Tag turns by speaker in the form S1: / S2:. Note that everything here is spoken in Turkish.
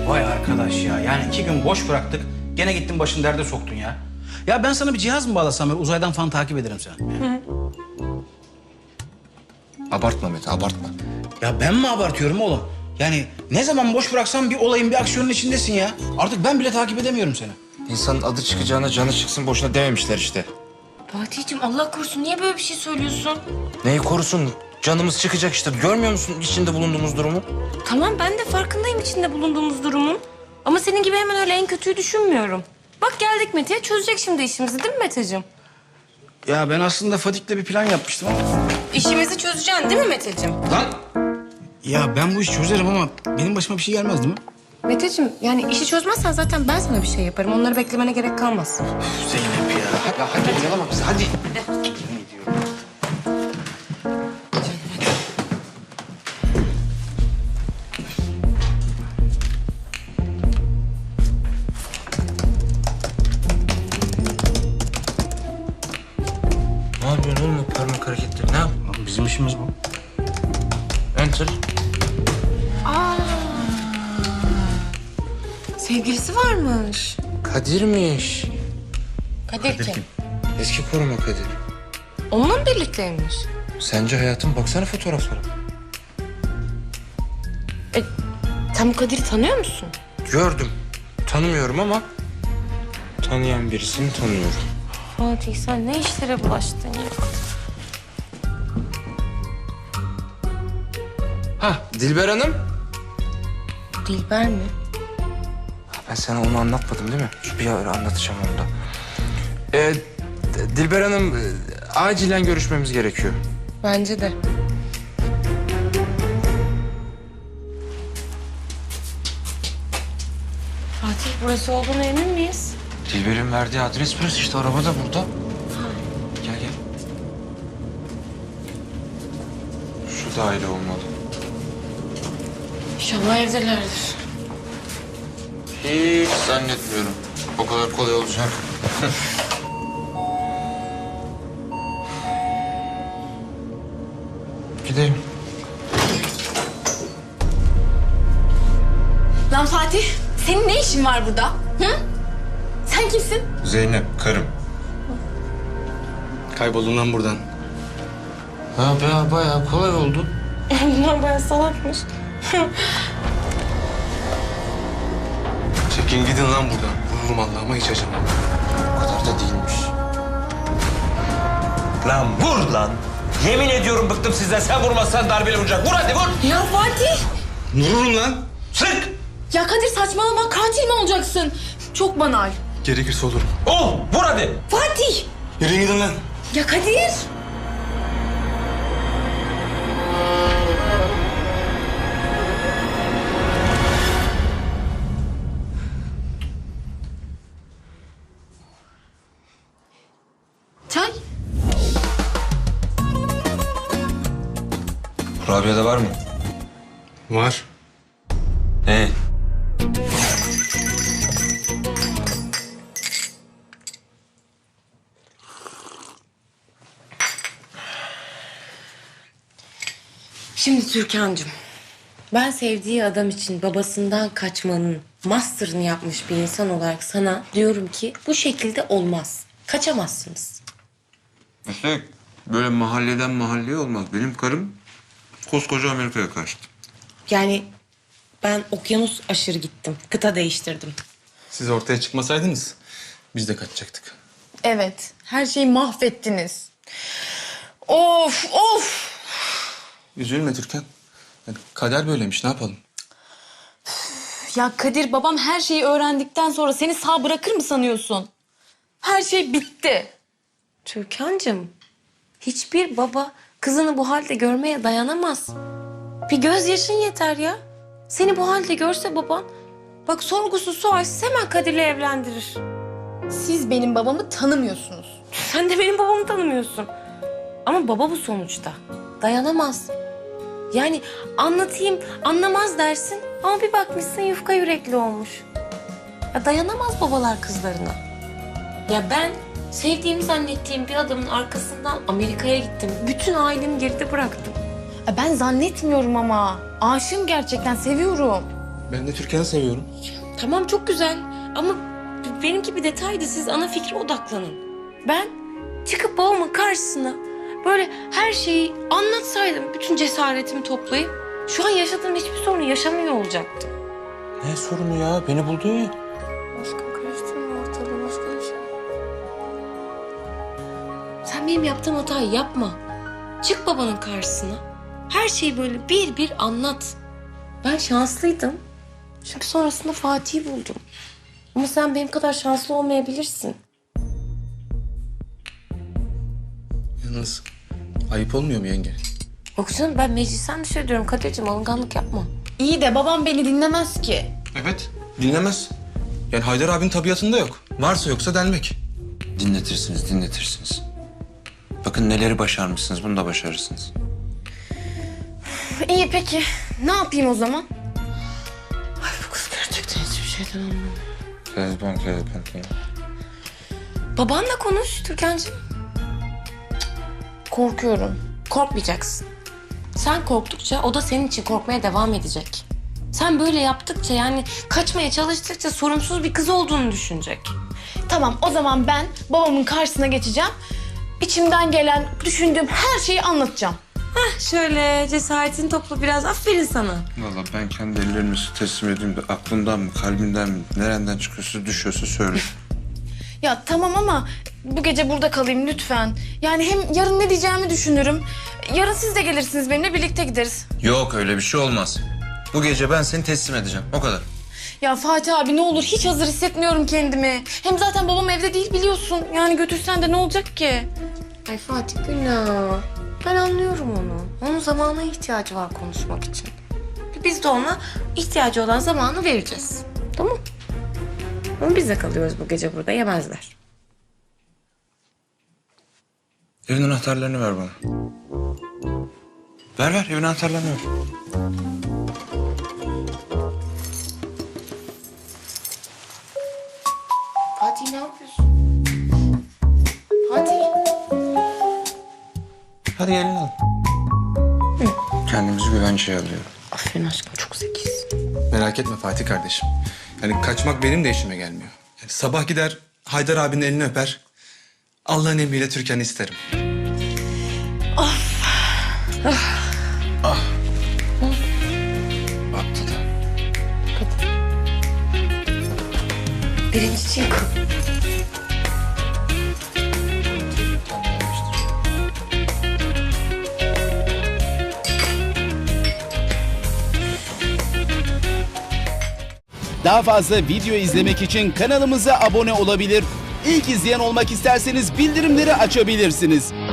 S1: Vay arkadaş ya. Yani 2 gün boş bıraktık. Gene gittin başını derde soktun ya. Ya ben sana bir cihaz mı bağlasam böyle uzaydan falan takip ederim seni. Yani.
S2: Abartma Mete, abartma.
S1: Ya ben mi abartıyorum oğlum? Yani ne zaman boş bıraksam bir olayın, bir aksiyonun içindesin ya. Artık ben bile takip edemiyorum seni.
S2: İnsanın adı çıkacağına canı çıksın boşuna dememişler işte.
S3: Fatih'ciğim Allah korusun niye böyle bir şey söylüyorsun?
S2: Neyi korusun? Canımız çıkacak işte. Görmüyor musun içinde bulunduğumuz durumu?
S3: Tamam ben de farkındayım içinde bulunduğumuz durumun. Ama senin gibi hemen öyle en kötüyü düşünmüyorum. Bak geldik Mete'ye çözecek şimdi işimizi değil mi Meteciğim?
S1: Ya ben aslında Fatih'le bir plan yapmıştım ama...
S3: İşimizi çözeceksin değil mi Meteciğim?
S1: Lan! Ya ben bu işi çözerim ama benim başıma bir şey gelmez değil mi?
S3: Meteciğim yani işi çözmezsen zaten ben sana bir şey yaparım. Onları beklemene gerek kalmaz.
S1: Zeynep ya.
S2: Ya hadi oyalama bizi hadi. Ne yapıyorsun oğlum o parmak hareketleri? Ne yap?
S1: Oğlum bizim işimiz bu.
S2: Enter.
S3: Sevgilisi varmış.
S2: Kadir'miş.
S3: Kadir kim?
S2: Eski koruma Kadir.
S3: Onunla mı birlikteymiş?
S2: Sence hayatım baksana fotoğraflara.
S3: Sen bu Kadir'i tanıyor musun?
S2: Gördüm. Tanımıyorum ama tanıyan birisini tanıyorum.
S3: Fatih sen ne işlere bulaştın ya?
S2: Ha Dilber Hanım.
S3: Dilber mi?
S2: Ben sana onu anlatmadım değil mi? Bir ara anlatacağım onu da. Dilber Hanım acilen görüşmemiz gerekiyor.
S3: Bence de. Fatih burası olduğuna emin miyiz?
S2: Dilber'in verdiği adres burası işte araba da burada. Gel gel. Şu daire olmalı.
S3: İnşallah evdelerdir.
S2: Hiç zannetmiyorum. O kadar kolay olacak. Gidelim.
S4: Lan Fatih, senin ne işin var burada? Hı? Sen kimsin?
S2: Zeynep, karım.
S1: Kayboldum lan buradan.
S2: Ha be bayağı kolay oldu.
S3: Bunlar bayağı salakmış.
S1: Çekin gidin lan buradan. Vururum Allah'ıma hiç acımam.
S2: O kadar da değilmiş.
S5: Lan vur lan. Yemin ediyorum bıktım sizden. Sen vurmazsan darbeli vuracak. Vur hadi vur.
S4: Ya Fatih!
S1: Vururum lan.
S5: Sık.
S4: Ya Kadir saçmalama, katil mi olacaksın? Çok banal.
S1: Gerekirse olurum.
S5: Ol. Vur hadi.
S4: Fatih!
S1: Yürüyün gidin lan.
S4: Ya Kadir! Çay?
S2: Kurabiye'de var mı?
S1: Var.
S2: Ne?
S3: Şimdi Türkan'cığım, ben sevdiği adam için babasından kaçmanın master'ını yapmış bir insan olarak sana diyorum ki bu şekilde olmaz. Kaçamazsınız.
S2: İşte böyle mahalleden mahalleye olmaz. Benim karım koskoca Amerika'ya kaçtı.
S3: Yani ben okyanus aşırı gittim, kıta değiştirdim.
S6: Siz ortaya çıkmasaydınız biz de kaçacaktık.
S4: Evet, her şeyi mahvettiniz. Of, of!
S6: Üzülme Türkan. Yani kader böyleymiş, ne yapalım?
S4: Ya Kadir, babam her şeyi öğrendikten sonra seni sağ bırakır mı sanıyorsun? Her şey bitti.
S3: Türkan'cığım, hiçbir baba kızını bu halde görmeye dayanamaz. Bir gözyaşın yeter ya. Seni bu halde görse baban, bak sorgusuz sualsiz hemen Kadir'le evlendirir.
S4: Siz benim babamı tanımıyorsunuz.
S3: Sen de benim babamı tanımıyorsun. Ama baba bu sonuçta. Dayanamaz. Yani anlatayım, anlamaz dersin ama bir bakmışsın yufka yürekli olmuş. Ya dayanamaz babalar kızlarına. Ya ben sevdiğimi zannettiğim bir adamın arkasından Amerika'ya gittim. Bütün ailemi geride bıraktım.
S4: Ben zannetmiyorum ama. Aşığım gerçekten, seviyorum.
S6: Ben de Türkan'ı seviyorum.
S3: Tamam çok güzel ama benimki bir detaydı. Siz ana fikre odaklanın. Ben çıkıp babamın karşısına böyle her şeyi anlatsaydım, bütün cesaretimi toplayıp şu an yaşadığım hiçbir sorunu yaşamıyor olacaktım.
S2: Ne sorunu ya? Beni buldu ya.
S3: Aşkım karıştırma ortalığı, başka bir şey. Sen benim yaptığım hatayı yapma. Çık babanın karşısına. Her şeyi böyle bir bir anlat. Ben şanslıydım. Çünkü sonrasında Fatih'i buldum. Ama sen benim kadar şanslı olmayabilirsin.
S6: Yalnız ayıp olmuyor mu yenge?
S3: Yok canım, ben meclisten dışarı diyorum. Kadir'cim alınganlık yapma.
S4: İyi de babam beni dinlemez ki.
S6: Evet. Dinlemez. Yani Haydar abinin tabiatında yok. Varsa yoksa delmek.
S2: Dinletirsiniz. Bakın neleri başarmışsınız, bunu da başarırsınız.
S4: İyi peki. Ne yapayım o zaman?
S3: Ay bu kız gerçekten hiçbir şeyden anlamıyor.
S2: Kezban.
S3: Babanla konuş Türkan'cığım. Korkuyorum. Korkmayacaksın. Sen korktukça o da senin için korkmaya devam edecek. Sen böyle yaptıkça, yani kaçmaya çalıştıkça sorumsuz bir kız olduğunu düşünecek.
S4: Tamam, o zaman ben babamın karşısına geçeceğim. İçimden gelen, düşündüğüm her şeyi anlatacağım.
S3: Şöyle cesaretini topla biraz. Aferin sana.
S2: Vallahi ben kendi ellerimi teslim edeyim de aklımdan mı, kalbimden mi, nereden çıkıyorsa düşüyorsa söyle.
S4: Ya tamam ama bu gece burada kalayım lütfen. Yani hem yarın ne diyeceğimi düşünürüm. Yarın siz de gelirsiniz, benimle birlikte gideriz.
S2: Yok öyle bir şey olmaz. Bu gece ben seni teslim edeceğim, o kadar.
S4: Ya Fatih abi ne olur, hiç hazır hissetmiyorum kendimi. Hem zaten babam evde değil biliyorsun. Yani götürsen de ne olacak ki?
S3: Ay Fatih günah. Ben anlıyorum onu. Onun zamana ihtiyacı var konuşmak için. Biz de ona ihtiyacı olan zamanı vereceğiz. Tamam. Ama biz de kalıyoruz bu gece burada, yemezler.
S2: Evin anahtarlarını ver bana. Ver evin anahtarlarını ver.
S3: Fatih ne yapıyorsun? Fatih.
S2: Hadi elini al. Kendimizi güvenceye alıyorum.
S3: Aferin aşkım, çok zekisin.
S6: Merak etme Fatih kardeşim. Yani kaçmak benim de işime gelmiyor. Yani sabah gider Haydar abinin elini öper. Allah'ın emriyle Türkan'ı isterim.
S2: Baktı da.
S3: Birinci çık.
S7: Daha fazla video izlemek için kanalımıza abone olabilir. İlk izleyen olmak isterseniz bildirimleri açabilirsiniz.